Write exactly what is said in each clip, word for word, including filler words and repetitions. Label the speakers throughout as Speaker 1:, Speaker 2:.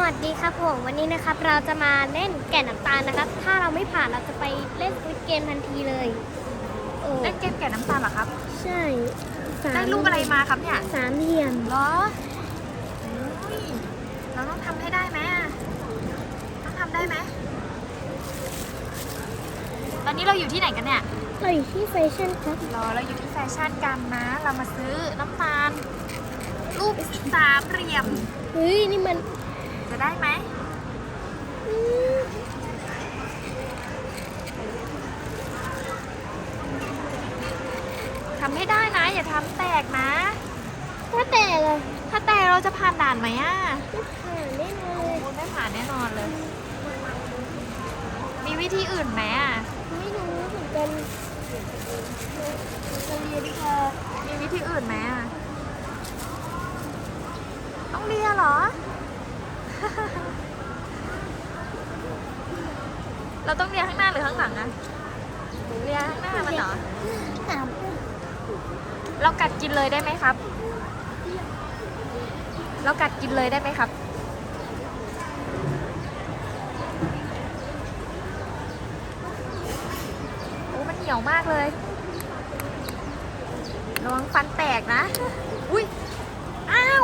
Speaker 1: วัสดีครับผมวันนี้นะครับเราจะมาเล่นแก่นน้ำตาลนะครับ ถ้าเราไม่ผ่านเราจะไปเล่นสควิดเกมทันทีเลยโอ้
Speaker 2: เล่นเกมแก่น้ำตาลเหรอครับ
Speaker 1: ใช่สาม
Speaker 2: ได้รูปอะไรมาครับเนี่ย
Speaker 1: สามเหลี่ยม
Speaker 2: เหรออุ้ยเราต้องทำให้ได้ไหมอะต้องทำได้ไหม ตอนนี้เราอยู่ที่ไหนกันเนี่ย
Speaker 1: เราอยู่ที่แฟชั่นครับ
Speaker 2: รอเราอยู่ที่แฟชั่นกันนะ เรามาซื้อน้ำตาล รูปสามเหลี่ยม
Speaker 1: เฮ้ยนี่มัน
Speaker 2: จะได้ไหม
Speaker 1: อืม
Speaker 2: ทำให้ได้นะ อย่าทำแตกนะ
Speaker 1: ถ้าแต่เลย
Speaker 2: ถ้าแตกเราจะผ่านด่านไหมอะ
Speaker 1: ไม่ผ่านแน่นอนเลย
Speaker 2: คุณไม่ผ่านแน่นอนเลย มีวิธีอื่นไหมอะ
Speaker 1: ไม่รู้เหมือนกันจะเรียนค่ะ
Speaker 2: มีวิธีอื่นไหมอะต้องเรียนเหรอ เราต้องเรียนข้างหน้าหรือข้างหลังอะเรียนข้างหน้ามันเหรอ
Speaker 1: ถาม
Speaker 2: เรากัดกินเลยได้ไหมครับ เรากัดกินเลยได้ไหมครับ โอ้มันเหนียวมากเลย ระวังฟันแตกนะ อุ้ย อ้าว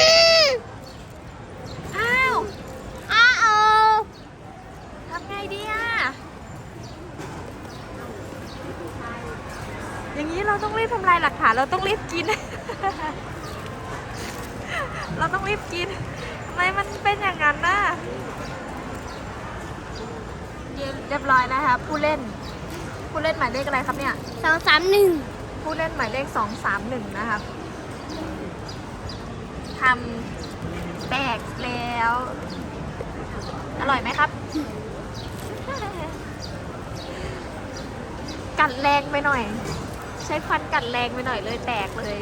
Speaker 2: อ้าว
Speaker 1: อ้าว
Speaker 2: ทำไงดีอะอย่างนี้เราต้องรีบทำลายหลักฐาน เราต้องรีบกิน เราต้องรีบกิน ทำไมมันเป็นอย่างนั้นน่ะเรียบร้อยนะคะผู้เล่น ผู้เล่นหมายเลขอะไรครับเนี่ย
Speaker 1: สองสามหนึ่ง
Speaker 2: ผู้เล่นหมายเลขสองสามหนึ่งนะครับทำแตกแล้ว อร่อยไหมครับ กัดแรงไปหน่อย ใช้ฟันกัดแรงไปหน่อยเลยแตกเลย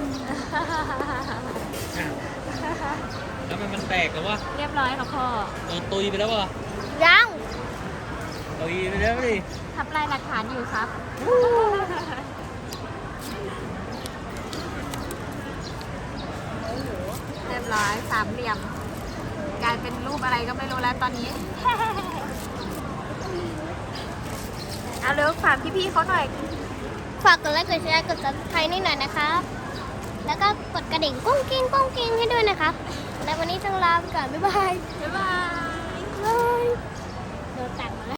Speaker 3: แล้วมันมันแตกแล้ววะ
Speaker 2: เรียบร้อยค่ะพ่อ
Speaker 3: โดนตุยไปแล้ววะ
Speaker 1: ยัง
Speaker 3: ตุยไปแล้วดิ
Speaker 2: ทำลายหลักฐานอยู่ครับ เรียบร้อยสามเหลี่ยม กลายเป็นรูปอะไรก็ไม่รู้แล้วตอนนี้ เอาเร็วฝากพี่ๆเขาหน่อย
Speaker 1: ฝากกดไลค์กดแชร์กด ซับสไครบ์ นี่หน่อยนะครับ แล้วก็กดกระดิ่งกุ้งกิ้งกุ้งกิ้งให้ด้วยนะครับ และวันนี้ต้องลาไปก่อน บ๊ายบาย
Speaker 2: บ๊ายบาย
Speaker 1: บายโดนตัดมาแล้ว